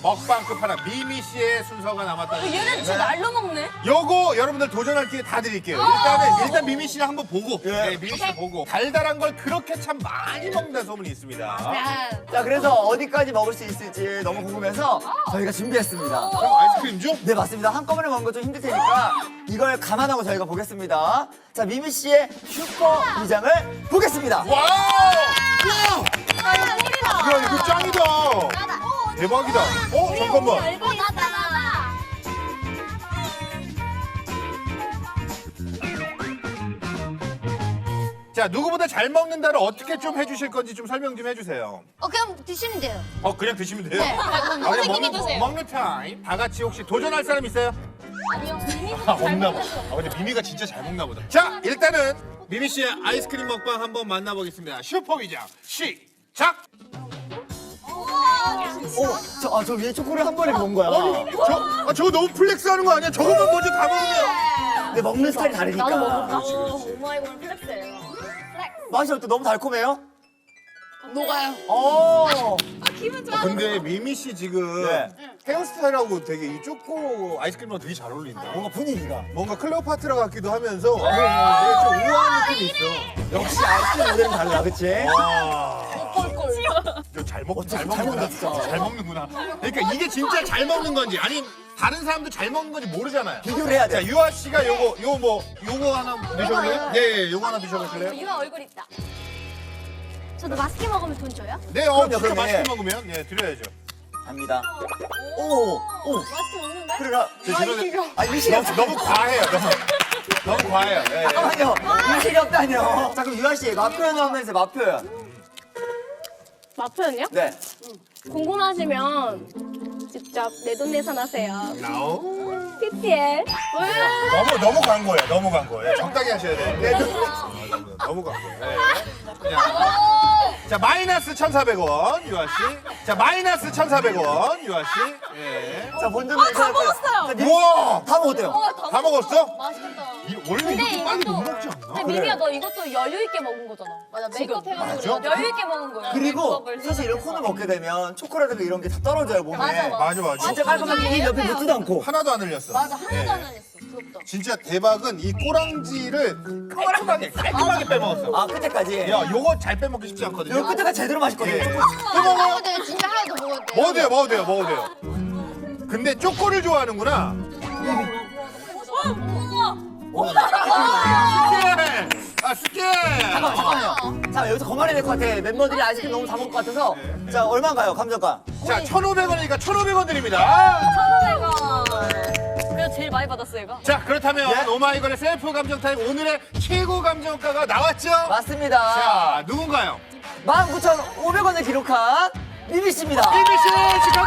먹방 끝판왕 미미 씨의 순서가 남았다는 얘는 얘기인데 진짜 날로 먹네. 요거 여러분들 도전할 기회 다 드릴게요. 일단 미미 씨를 한번 보고 네, 미미 씨 보고 달달한 걸 그렇게 참 많이 먹는다는 소문이 있습니다. 자, 그래서 어디까지 먹을 수 있을지 너무 궁금해서 저희가 준비했습니다. 그럼 아이스크림 줘? 네, 맞습니다. 한꺼번에 먹는 건 좀 힘들 테니까 이걸 감안하고 저희가 보겠습니다. 자, 미미 씨의 슈퍼 위장을 보겠습니다. 와우! 야 이거 짱이다. 대박이다. 잠깐만. 나다. 자 누구보다 잘 먹는다를 어떻게 좀 해주실 건지 좀 설명 좀 해주세요. 그냥 드시면 돼요. 그냥 드시면 돼요? 네. 그냥 먹는 타임. 다 같이 혹시 도전할 사람 있어요? 아니요, 미미보다 잘 없나 봐. 먹었어. 근데 미미가 진짜 잘 먹나 보다. 자, 일단은 미미 씨의 아이스크림 먹방 한번 만나보겠습니다. 슈퍼 위장 시작. 저 위에 초콜릿 한 번에 먹은 거야. 저거 너무 플렉스하는 거 아니야? 저거만 먼저 다 먹으면. 근데 먹는 스타일이 다르니까. 오마이걸 플렉스예요. 맛이 어때? 너무 달콤해요? 녹아요. 근데 미미 씨 지금 네. 헤어스타일하고 되게 이 초코 아이스크림이랑 되게 잘 어울린다. 뭔가 분위기가. 뭔가 클레오파트라 같기도 하면서 되게 좀 우아한 느낌이 있어. 역시 아이스크림 모델은 달라, 그치? 와. 잘 먹는다. 진짜. 잘 먹는구나. 그러니까 이게 진짜 잘 먹는 건지 아니 다른 사람도 잘 먹는 건지 모르잖아요. 비교를 해야 자 돼. 유아 씨가 요거 하나 드셔볼래요? 네, 요거 하나 드셔보실래요? 유아 얼굴 있다. 저도 맛있게 먹으면 돈 줘요? 네, 진짜 그럼요. 맛있게 먹으면 예 드려야죠. 갑니다. 오. 맛있게 먹는데? 그래가. 미실이 없어. 너무 과해요. 너무 과해요. 예, 예. 잠깐만요. 미실이 없다뇨. 자, 그럼 유아 씨, 맛 표현 한번 해주세요, 맛 표현. 맛 표현이요? 네. 궁금하시면 직접 내돈내산하세요. 나오. PPL. 너무 광고예요. 너무 광고예요. 적당히 하셔야 돼요. 너무 광고예요. 네. 그냥. 자 마이너스 1,400원 유아 씨. 자 마이너스 1,400원 유아 씨. 예. 자, 먼저 다 먹었어요. 우와. 다 먹었대요. 다 먹었어? 맛있겠다. 원래 이렇게 빨리 이것도- 못 먹지 않나? 근데 미미야 너 이것도 여유 있게 먹은 거잖아. 맞아 메이크업 해가지고 맞아? 여유 있게 먹은 거야. 그리고 메이크업을 사실 이런 해가지고. 콘을 먹게 되면 초콜릿이나 이런 게 다 떨어져요, 몸에. 맞아. 진짜 깔끔하게 이 옆에 묻지도 않고. 하나도 안 흘렸어. 맞아 하나도 예. 안 했어. 부럽다. 진짜 대박은 이 꼬랑지를 깔끔하게 빼먹었어. 아, 끝에까지. 야, 요거 잘 빼먹기 쉽지 않거든요. 이거 끝에가 제대로 맛있거든요. 예. 먹어도 돼요. 진짜 하나도 먹어도 돼요. 먹어도 돼요. 근데 초코를 좋아하는구나. 스케! 잠깐만요. 자, 여기서 거만해야 될 것 같아. 멤버들이 아이스크림 너무 다 먹을 것 같아서. 자, 얼마인가요, 감정가? 자, 1,500원이니까 1,500원 드립니다. 1,500원. 그래서 제일 많이 받았어 얘가. 자, 그렇다면 예? 오마이걸의 셀프 감정 타임 오늘의 최고 감정가가 나왔죠? 맞습니다. 자, 누군가요? 19,500원을 기록한 미미 씨입니다. 미미 씨 축하드립니다.